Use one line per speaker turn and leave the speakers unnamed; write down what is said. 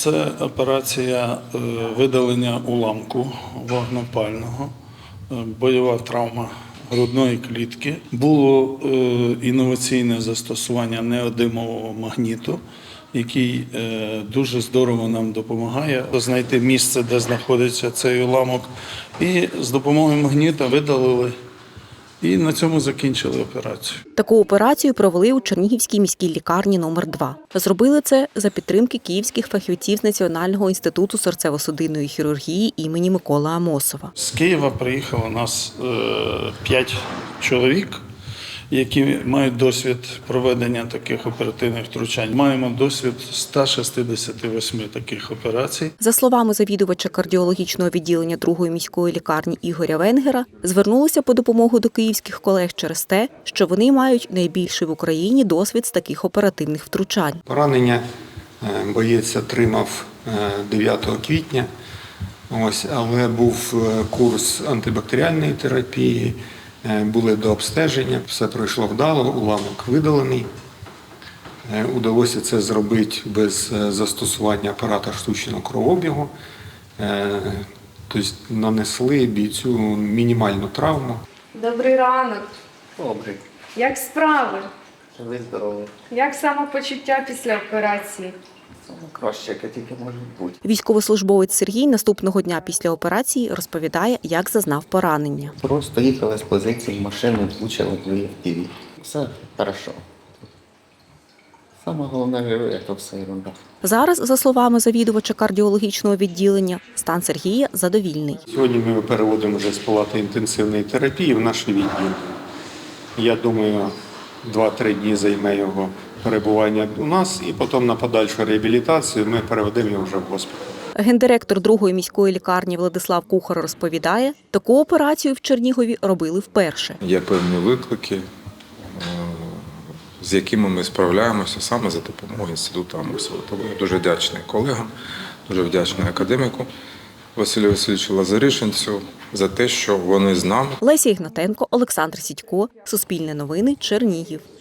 Це операція видалення уламку вогнепального, бойова травма грудної клітки. Було інноваційне застосування неодимового магніту, який дуже здорово нам допомагає знайти місце, де знаходиться цей уламок. І з допомогою магніта видалили. І на цьому закінчили операцію.
Таку операцію провели у Чернігівській міській лікарні номер 2. Зробили це за підтримки київських фахівців з Національного інституту серцево-судинної хірургії імені Миколи Амосова.
З Києва приїхало у нас 5 чоловік, які мають досвід проведення таких оперативних втручань. Маємо досвід 168 таких операцій.
За словами завідувача кардіологічного відділення 2-ї міської лікарні Ігоря Венгера, звернулися по допомогу до київських колег через те, що вони мають найбільший в Україні досвід з таких оперативних втручань.
Поранення боєць отримав 9 квітня, але був курс антибактеріальної терапії, були до обстеження, все пройшло вдало, уламок видалений. Удалося це зробити без застосування апарата штучного кровообігу. Тобто нанесли бійцю мінімальну травму.
Добрий ранок.
Добрий.
Як справи?
Живий, здоровий.
Як самопочуття після операції?
Саме краще, яке тільки може бути.
Військовослужбовець Сергій наступного дня після операції розповідає, як зазнав поранення.
Просто їхали з позиції машини, влучили в FPV. Все хорошо. Саме головне живе, то все ерунда.
Зараз, за словами завідувача кардіологічного відділення, стан Сергія задовільний.
Сьогодні ми переводимо вже з палати інтенсивної терапії в наш відділ. Я думаю, 2-3 дні займе його перебування у нас, і потім на подальшу реабілітацію ми переведемо його вже в госпіталь.
Гендиректор 2-ї міської лікарні Владислав Кухар розповідає, таку операцію в Чернігові робили вперше.
Є певні виклики, з якими ми справляємося саме за допомогою інституту Амосова. Тому я дуже вдячний колегам, дуже вдячний академіку Василю Васильовичу Лазаришинцю за те, що вони з нами.
Леся Ігнатенко, Олександр Сідько, Суспільне новини, Чернігів.